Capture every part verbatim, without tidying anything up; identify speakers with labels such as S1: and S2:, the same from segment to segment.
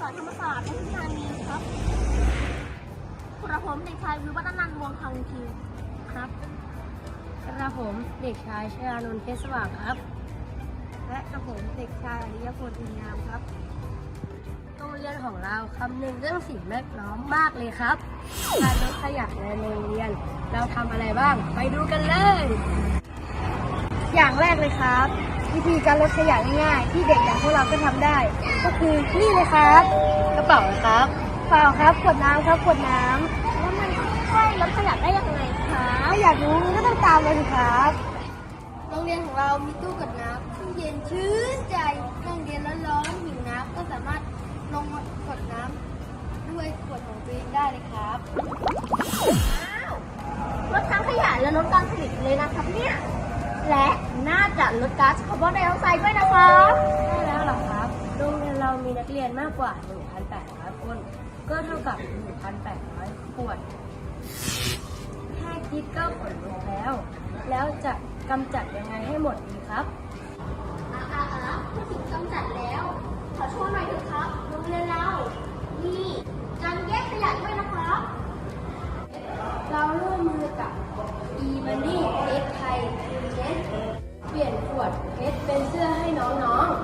S1: จากธรรมศาสตร์และวิชานีครับกระผมเด็กชายวิวัฒนันท์วงศ์คังคีครับกระผมเด็กชายชยานนท์เพชรสว่างครับและกระผมเด็กชายอริยพลอินงามครับโรงเรียนของเราคำนึงเรื่องสิ่งแวดล้อมมากเลยครับการลดขยะในโรงเรียนเราทำอะไรบ้างไปดูกันเลยอย่างแรกเลยครับวิธีการลดขยะง่ายๆที่เด็กอย่างพวกเราก็ทำได้ก็คือนี่เลยครับกระเป๋าครับเปล่าครับขวดน้ำครับขวดน้ำแล้วมันช่วยลดขยะได้ยังไงคะถ้าอยากรู้ก็ต้องตามเลยครับโรงเรียนของเรามีตู้กดน้ำซึ่งเย็นชื่นใจนั่งเรียนร้อนๆหิวน้ำก็สามารถลงกดน้ำด้วยขวดของตัวเองได้เลยครับว้าวลดทั้งขยะและลดการผลิตเลยนะครับเนี่ยและน่าจะลดก๊าซคาร์บอนไดออกไซด์ด้วยนะครับใช่แล้วหรอครับโรงเรียนเรามีนักเรียนมากกว่า หนึ่งพันแปดร้อย คนก็เท่ากับ หนึ่งพันแปดร้อย ขวดแค่คิดก็ขนลุกแล้วแล้วจะกำจัดยังไงให้หมดดีครับอ่าอ่าอ่าพูดถึงกำจัดแล้วขอโชว์หน่อยเถอะครับโรงเรียนเรานี่การแยกขยะด้วยนะครับเราร่วมมือกับ e-money เพชรไทยเพชรเปลี่ยนขวดเพชรเป็นเสื้อให้น้อง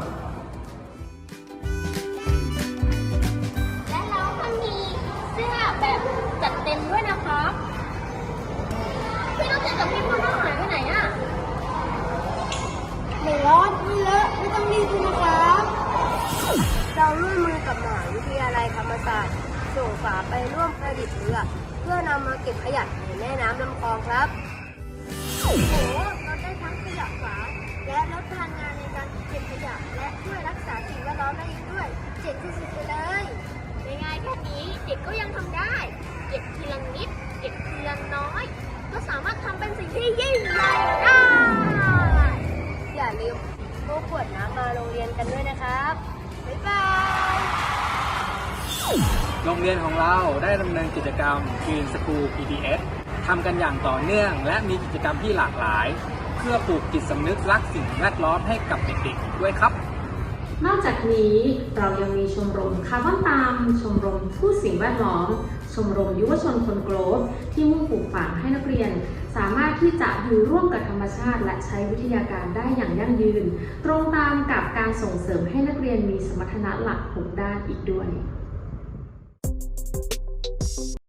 S1: ๆและเราก็มีเสื้อแบบจัดเต็มด้วยนะครับพี่ต้องเจอกับพี่พ่อน้องหายไปไหนอ่ะไม่ร้อนไม่เลอะไม่ต้องรีบนะครับเราร่วมมือกับมหาวิทยาลัยธรรมศาสตร์ส่งฝาไปร่วมประดิษฐ์เรือเพื่อนำมาเก็บขยะในแม่น้ำลำคลองครับโอ้โหเราได้ทั้งขยะฝาและลดพลังงานในการเก็บขยะและช่วยรักษาสิ่งแวดล้อมได้อีกด้วยเจ๋งสุดๆไปเลยง่ายๆแค่นี้เด็กก็ยังทำได้เก็บทีละนิดเก็บทีละน้อยก็สามารถทำเป็นสิ่งที่ยิ่งใหญ่ได้อย่าลืมพกขวดน้ำมาโรงเรียนกันด้วยนะครับบ๊ายบาย
S2: โรงเรียนของเราได้ดำเนินกิจกรรม Green School พี ดี เอส ทำกันอย่างต่อเนื่องและมีกิจกรรมที่หลากหลายเพื่อปลูกจิตสำนึกรักสิ่งแวดล้อมให้กับเด็กๆด้วยครับ
S3: นอกจากนี้เรายังมีชมรมคาร์บอนตามชมรมผู้สิ่งแวดล้อมชมรมยุวชนคนโกลฟที่มุ่งปลูกฝังให้นักเรียนสามารถที่จะอยู่ร่วมกับธรรมชาติและใช้วิทยาการได้อย่างยั่งยืนตรงตามกับการส่งเสริมให้นักเรียนมีสมรรถนะหลักหกด้านอีกด้วย